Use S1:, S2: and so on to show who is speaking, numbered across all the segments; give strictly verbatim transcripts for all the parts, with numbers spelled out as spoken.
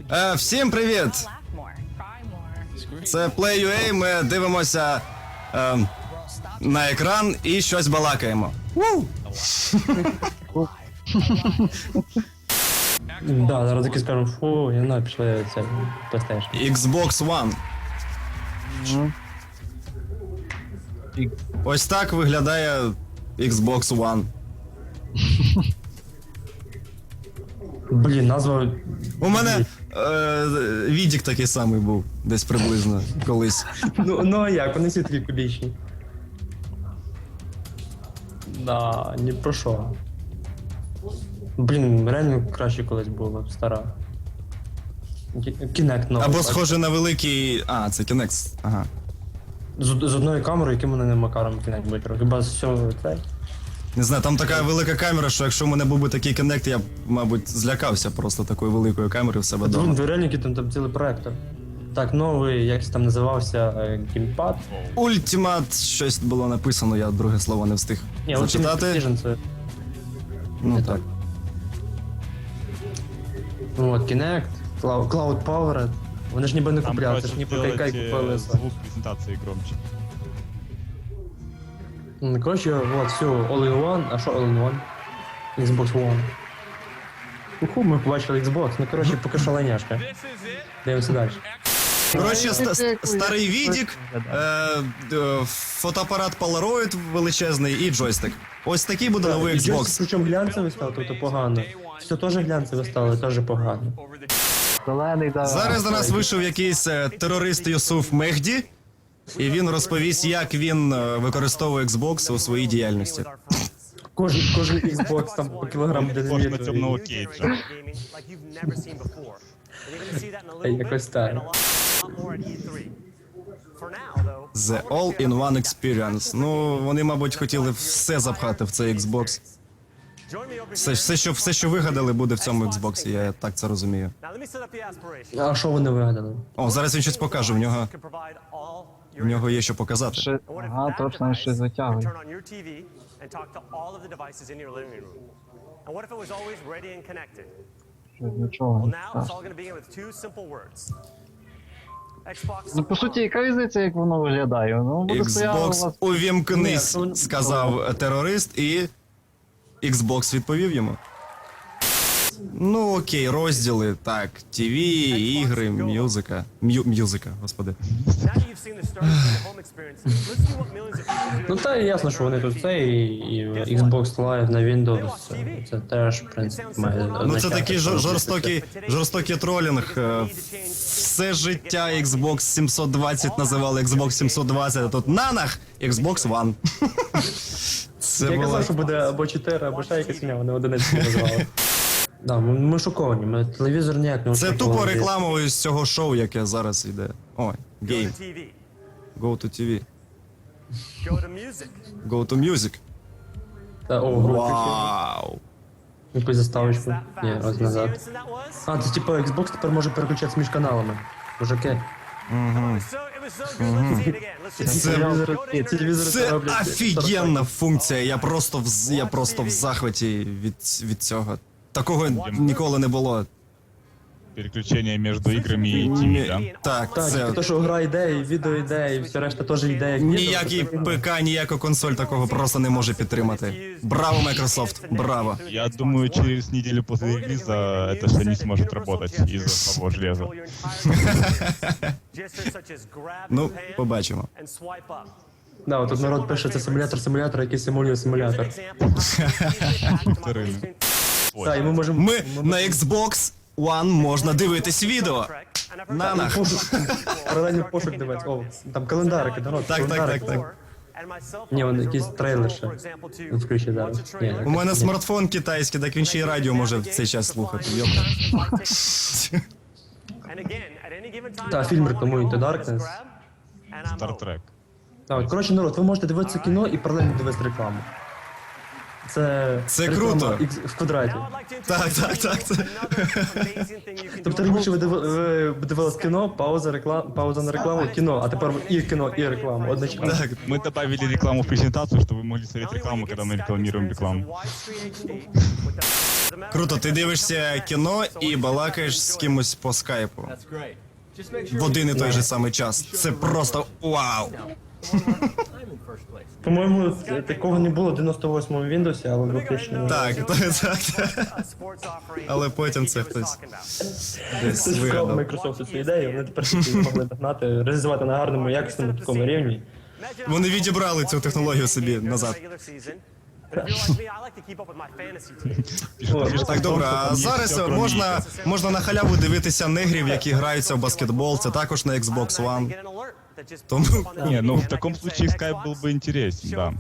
S1: Е, всім привіт! Це Play.ua, ми дивимося е, на екран і щось балакаємо.
S2: Да, зараз таки скажемо, фу, я не знаю, пішли це PlayStation.
S1: Xbox One. Ось так виглядає Xbox One.
S2: Блін, назва...
S1: У мене е, відік такий самий був, десь приблизно, колись.
S2: Ну, ну а як, вони всі такі кубічні. Да, ні про що. Блін, реально краще колись було, стара. Kinect новий.
S1: Або схоже на великий... А, це Kinect, ага.
S2: З, з одною камерою, яким вони не макаром Kinect будуть робити. Хіба з цього цей?
S1: Не знаю, там така велика камера, що якщо в мене був би такий Kinect, я б, мабуть, злякався просто такою великою камерою в себе
S2: Блін,
S1: вдома.
S2: ви реально який там, там цілий проектор. Так, новий, якось там називався, геймпад.
S1: Ultimate, щось було написано, я друге слово не встиг
S2: Ні,
S1: зачитати.
S2: Ultimate Vision це...
S1: Ну
S2: не
S1: так.
S2: Ну от, Kinect, Cloud, Cloud Power. Вони ж ніби не
S3: Там
S2: купляли, це
S3: проще
S2: ж ніби
S3: сделать
S2: кайкай
S3: э,
S2: купили.
S3: звук презентации громче.
S2: Ну, коротше, вот, все, All-in-One, а що All-in-One? Xbox One. Уху, ми побачили Xbox, ну коротше, поки що лайняшка. Дивимося далі.
S1: Коротше, ста- ст- старий відік, е, е, фотоапарат Polaroid величезний і джойстик. Ось такий буде новий Xbox.
S2: Причому глянцевий став, тобто погано. Все теж глянцеве стало, теж погано.
S4: Зелений, да.
S1: Зараз до нас вийшов якийсь е, терорист Юсуф Мехді, і він розповість, як він е, використовує Xbox у своїй діяльності.
S2: Кожен, кожен Xbox там по кілограму
S3: Похож на темного
S2: динаміту.
S3: Кейджа.
S2: Якось так.
S1: The All-in-One Experience. Ну, вони, мабуть, хотіли все запхати в цей Xbox. Все, все, що, все, що вигадали, буде в цьому Xbox, я так це розумію.
S2: А що вони вигадали?
S1: О, зараз він щось покаже, в нього, в нього є що показати.
S4: Ще... Ага, точно, щось витягує. Щось нічого не страшно. Ну, по суті, яка різниця, як воно виглядає? Ну, буде стояло у
S1: Xbox
S4: вас...
S1: увімкнись,
S2: Ні, ну,
S1: сказав терорист, і Xbox відповів йому. Ну окей, розділи, так, ТВ, ігри, мюзика. М'ю, мюзика, господи.
S2: Ну та і ясно, що вони тут це, і, і Xbox Live на Windows, це, це теж, в принципі, має
S1: Ну це
S2: означати,
S1: такий
S2: що
S1: жор-
S2: робити
S1: жорстокий, жорстокий тролінг. Е, Все життя Xbox сімсот двадцять називали Xbox сімсот двадцять, а тут нанах Xbox One. Це
S2: Я
S1: було...
S2: казав, що буде або чотири, або ще якась ім'я, вони одиниці назвали. Да, ми, ми шоковані, ми телевізор ніяк не
S1: Це
S2: очікували.
S1: тупо реклама із цього шоу, яке зараз йде. Ой, гейм. Go to ті ві. Go to music.
S2: Та, о, гру включили.
S1: Вау.
S2: Якусь заставочку. Ні, ось назад. А, це типу Xbox тепер може переключатися між каналами. Мужики.
S1: Це,
S2: Телевізори, телевізори
S1: це
S2: роблять
S1: офігенна функція. Я просто в, я просто в захваті від, від цього. Такого ніколи не було.
S3: Переключение между играми и ТВ, да?
S1: Так,
S2: Так,
S1: це
S2: то, що гра йде, і відео йде, і все решта теж йде, як відео.
S1: ніякий ПК, ніяка консоль такого просто не може підтримати. Браво, Microsoft, браво.
S3: Я думаю, через неделю после релиза это все не сможет работать из-за того железа.
S1: Ну, побачимо.
S2: Да, от тут народ пише, це симулятор симулятора, який симулює симулятор.
S3: Повторили.
S2: Так, і ми можемо...
S1: Ми на Xbox One можна дивитись відео. Нанах.
S2: Пошук, паралельно пошук дивитися. О, там календарики, народ,
S1: Так, так,
S2: календарики.
S1: так, так.
S2: Ні, вон якийсь трейлер ще. Він включить зараз. Ні,
S1: У мене смартфон китайський, так він ще й радіо може в цей час слухати. Йопта.
S2: Так, фільм рекламує Into Darkness.
S3: Star Trek.
S2: Так, от, коротше, народ, ви можете дивитися кіно і паралельно дивитися рекламу. Це,
S1: Це
S2: реклама
S1: круто.
S2: X в квадраті.
S1: Так, так, так. так.
S2: Тобто раніше ви диви- ви дивились кіно, пауза, реклама, пауза на рекламу, кіно, а тепер і кіно, і реклама одночасно.
S1: Так.
S3: Мы добавили рекламу в презентацию, чтобы вы могли смотреть рекламу, когда мы рекламируем рекламу.
S1: Круто, ти дивишся кіно і балакаєш з кимось по скайпу. В один і той же самий час. Це просто вау!
S2: По-моєму, такого не було в дев'яносто восьмому Windows, але в двохтисячному.
S1: Так, так, так. Але потім це хтось десь
S2: Це ж вкрав
S1: вигадав.
S2: Microsoft цю ідею, вони тепер всі могли догнати, реалізувати на гарному, якісному такому рівні.
S1: Вони відібрали цю технологію собі назад. Так, добре, а зараз можна, можна на халяву дивитися негрів, які граються в баскетбол, це також на Xbox One. Тому
S3: Не, ну в таком случае скайп был бы интересен, да.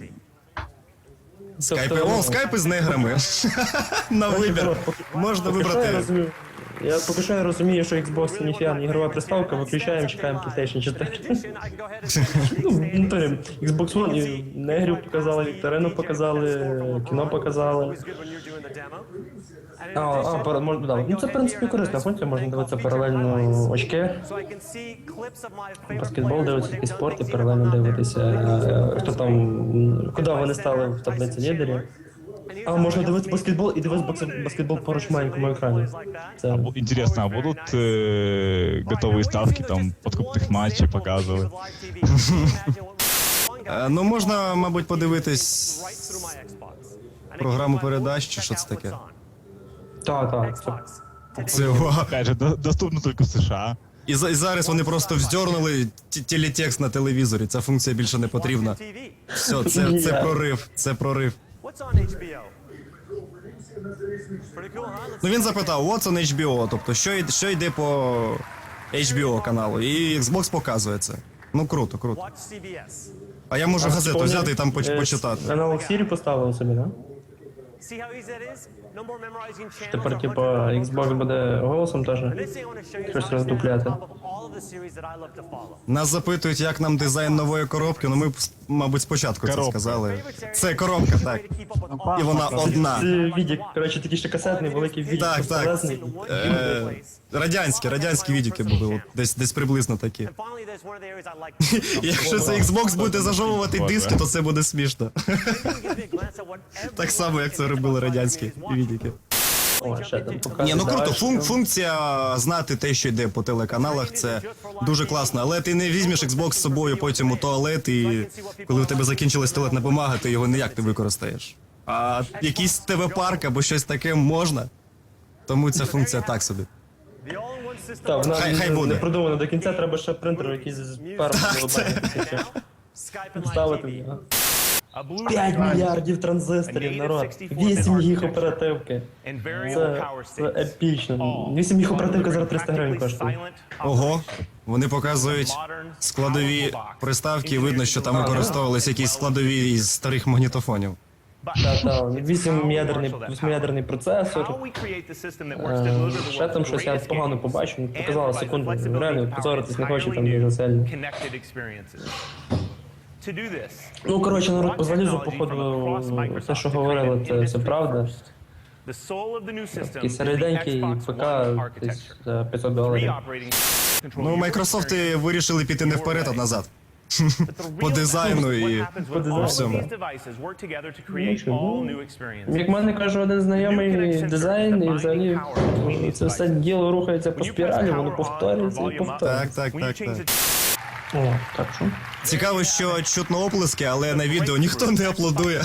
S1: скайпи, о, скайпи з неграми. На вибір. Можна
S2: Поки що я
S1: вибрати.
S2: розумію, я поки що я розумію, що Xbox це ніфіга не ігрова приставка, виключаємо, чекаємо PlayStation чотири. Ну, в натурі, Xbox One і негрів показали, вікторину показали, кіно показали. А, а, пара- можна, да. Ну це, в принципі, корисна функція, можна дивитися паралельно очки. Баскетбол дивитися, якийсь спорт і паралельно дивитися, е, хто там, м, куди вони стали в таблиці лідерів. А, можна дивитися баскетбол і дивитися баскет- баскетбол поруч в маленькому екрані. Це
S3: Бу- Интересно, а будут э, готовые ставки, там, подкупных матчей показывать?
S1: Е, Ну, можна, мабуть, подивитись програму передач, чи що це таке.
S2: так, так. Це
S1: Це вау.
S3: Опять же, до- доступно только в США.
S1: І, за- і зараз вони просто вздьорнули т- телетекст на телевізорі. Ця функція більше не потрібна. Все, це, це прорив, це прорив. Ну він запитав, what's on ейч бі о, тобто що, йд- що йде по ейч бі о каналу, і Xbox показує це. Ну круто, круто. А я можу газету взяти і там поч-
S2: Е,
S1: почитати.
S2: Аналог Сірі поставили собі, да? Тепер, типа, Xbox буде голосом теж щось роздупляти.
S1: Нас запитують, як нам дизайн нової коробки, ну ми, б, мабуть, спочатку це
S3: Коробка.
S1: сказали. Це коробка, так. І вона одна.
S2: Це відік, коротше, такий ще касетний, великий відік,
S1: Так, так.
S2: безполезний.
S1: Е, радянські, радянські відіки були, от, десь, десь приблизно такі. І якщо це Xbox буде зажовувати диски, то це буде смішно. Так само, як це робили радянські відіки.
S2: О, ще там показує.
S1: Ні, ну круто,
S2: далі,
S1: фун-
S2: що-
S1: функція знати те, що йде по телеканалах, це дуже класно. Але ти не візьмеш Xbox з собою потім у туалет, і коли у тебе закінчилась туалетна бумага, ти його ніяк не використаєш. А якийсь ТВ-парк або щось таке можна. Тому ця функція так собі.
S2: Так, вона
S1: Хай- хай
S2: не-
S1: буде.
S2: не продумана до кінця, треба ще принтер якийсь з паром ставити. п'ять мільярдів транзисторів, народ. вісім їх оперативки. Це, це епічно. вісім їх оперативка зараз триста гривень коштує.
S1: Ого, вони показують складові приставки, і видно, що там використовувалися якісь складові із старих магнітофонів.
S2: Та, та, вісім'ядерний, восьмиядерний процесор. Е, Ще там щось я погано побачив, ну, показала секунду, реально позоритись не хочу там дуже сильно. Ну, коротше, народ по залізу, походу, все, що говорили, це, це правда. Такий середенький ПК десь за п'ятсот доларів.
S1: Ну, Microsoft вирішили піти не вперед, а назад. По дизайну і по всьому.
S2: Як мене каже один знайомий дизайн, і взагалі це все діло рухається по спіралі, воно повторюється і
S1: Так,
S2: повторюється.
S1: так, так, так.
S2: О, так що?
S1: Цікаво, що чутно оплески, але на відео ніхто не аплодує.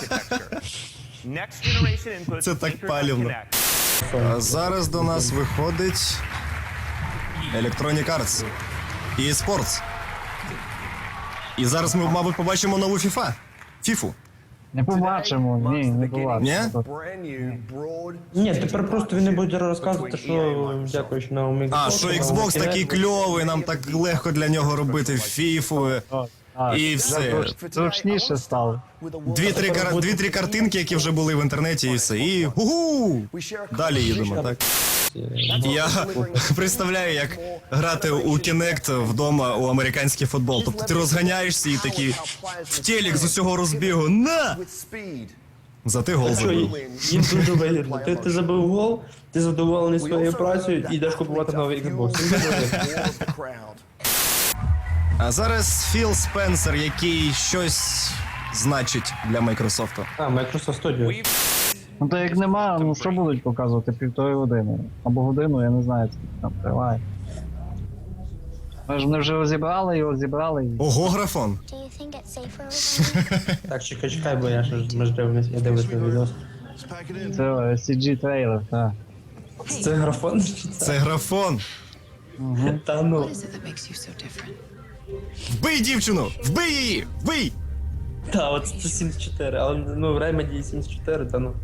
S1: Це так палівно. А зараз до нас виходить Electronic Arts і eSports. І зараз ми, мабуть, побачимо нову FIFA. Фіфу.
S4: Не побачимо, ні, не побачимо.
S1: Ні?
S2: Ні, тепер просто він не буде розказувати, що дякуючи новому Xbox.
S1: А, що Xbox такий кльовий, нам так легко для нього робити фіфу.
S4: А,
S1: І все.
S4: зручніше стало.
S1: Дві-три кар... Дві-три картинки, які вже були в інтернеті, і все. І гу-гу! Далі їдемо, так? Я представляю, як грати у Kinect вдома у американський футбол. Тобто ти розганяєшся і такий в телек з усього розбігу. На! Зате гол
S2: Що,
S1: забив.
S2: їм дуже вигідно. Ти, ти забив гол, ти задоволений своєю працею і йдеш купувати новий Xbox. Їм дуже вигідно.
S1: А зараз Філ Спенсер, який щось значить для Майкрософту.
S2: А, Microsoft Studio.
S4: Ну то як нема, ну що будуть показувати півтори години? Або годину, я не знаю, скільки там триває. Ми ж вони вже розібрали його, зібрали і.
S1: Ого, графон.
S5: Do you think it's safer over there?
S2: Так, чекай, чекай, бо я ж ми ж дивимось, я дивлюсь на відео.
S4: Це сі джі трейлер, так.
S2: Це графон?
S1: Це графон.
S2: Та ну.
S6: What is it that makes you so different?
S1: Вбий дівчину! Вбий її! Вбий!
S2: Та, от це сімдесят чотири, але ну в ремеді сімдесят чотири, та ну.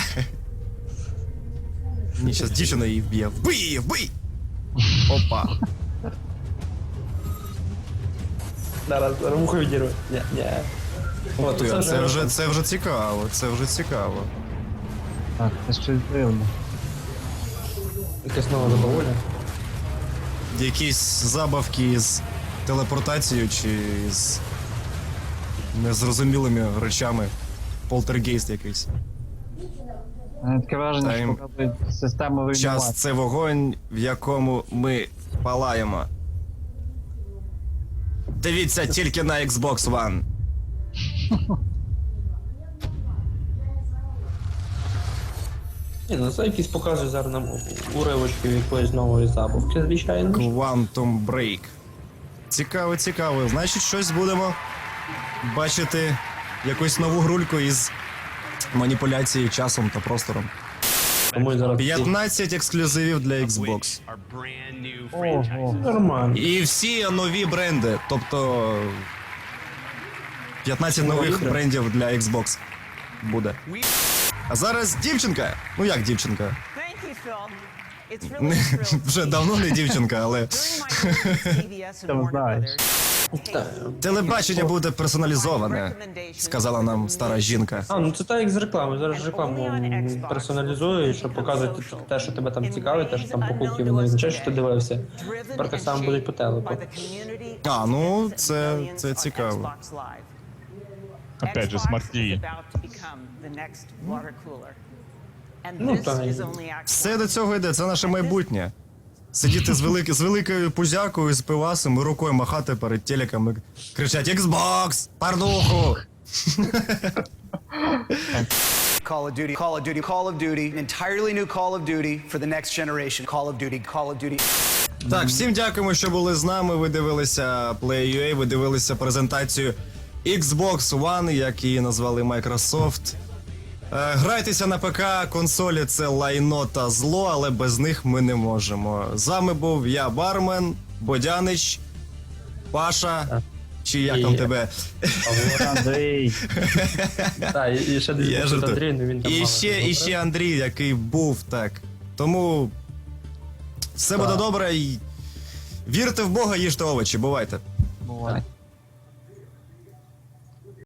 S1: Ні, щас дівчина її вб'є. Вбий її! Вбий! Опа.
S2: Зараз вухо відірву. Ні, ні. От,
S1: Ти,
S2: це
S1: Це вже,
S2: графон.
S1: це вже цікаво, це вже цікаво.
S4: Так, це щось дивно.
S2: Якесь нове задоволення.
S1: Якісь забавки з телепортацією чи з незрозумілими речами. Полтергейст якийсь.
S4: Мене таке враження,
S1: Та
S4: що
S1: їм-
S4: показують систему
S1: Час
S4: руйнування.
S1: це вогонь, в якому ми палаємо. Дивіться тільки на Xbox One.
S2: Ні, ну це якісь показує зараз нам у- уривочки якоїсь нової забавки, звичайно. ж.
S1: Quantum Break. Цікаво, цікаво. Значить, щось будемо бачити якусь нову грульку із маніпуляцією часом та простором.
S2: Тому і зараз всі-
S1: п'ятнадцять ексклюзивів для Xbox.
S4: Ого.
S2: Нормально.
S1: І всі нові бренди, тобто п'ятнадцять
S2: Нові
S1: нових
S2: бренди.
S1: брендів для Xbox буде. А зараз дівчинка. Ну як дівчинка?
S7: Thank you, Phil. It's really
S1: Не,
S7: a thrill.
S1: вже давно не дівчинка, але
S7: During my years at C B S and
S4: Там
S7: Warner
S4: знаєш.
S7: Brothers,
S2: Так.
S1: телебачення буде персоналізоване, сказала нам стара жінка.
S2: А, ну це так як з реклами. Зараз ж рекламу м, персоналізують, щоб показувати те, що тебе там цікавить, те, що там по культів не означає, що ти дивився.
S7: driven
S2: Тепер так
S7: and
S2: само будуть по
S7: shaped
S2: телеку.
S7: by the community
S1: А, ну, це-
S7: and millions
S1: це
S7: on
S1: цікаво.
S7: Xbox Live.
S3: Опять же,
S7: Xbox
S3: Smart
S7: is
S3: ті ві.
S7: about to become the next water cooler. And
S2: Ну,
S7: this
S2: так.
S7: is only Act
S1: Все до цього йде, це наше майбутнє. Сидіти з, велики, з великою пузякою, з пивасом і рукою махати перед телеком і кричати Xbox! Пардуху!
S8: Call of Duty, Call of Duty, Call of Duty, an entirely new Call of Duty for the next generation. Call of Duty, Call of Duty.
S1: Так, всім дякуємо, що були з нами. Ви дивилися Play.ua, ви дивилися презентацію Xbox One, як її назвали Microsoft. Е, Грайтеся на ПК, консолі це лайно та зло, але без них ми не можемо. З вами був я, Бармен, Бодянич, Паша, чи як там
S2: І-
S1: тебе?
S4: Андрій.
S2: Так, і, і ще десь
S1: Я
S2: був
S1: жартую.
S2: Андрій, ну він там
S1: І
S2: мало
S1: ще,
S2: не
S1: і ще Андрій, який був так. Тому все буде добре і вірте в Бога, їжте овочі, бувайте.
S4: Бувай.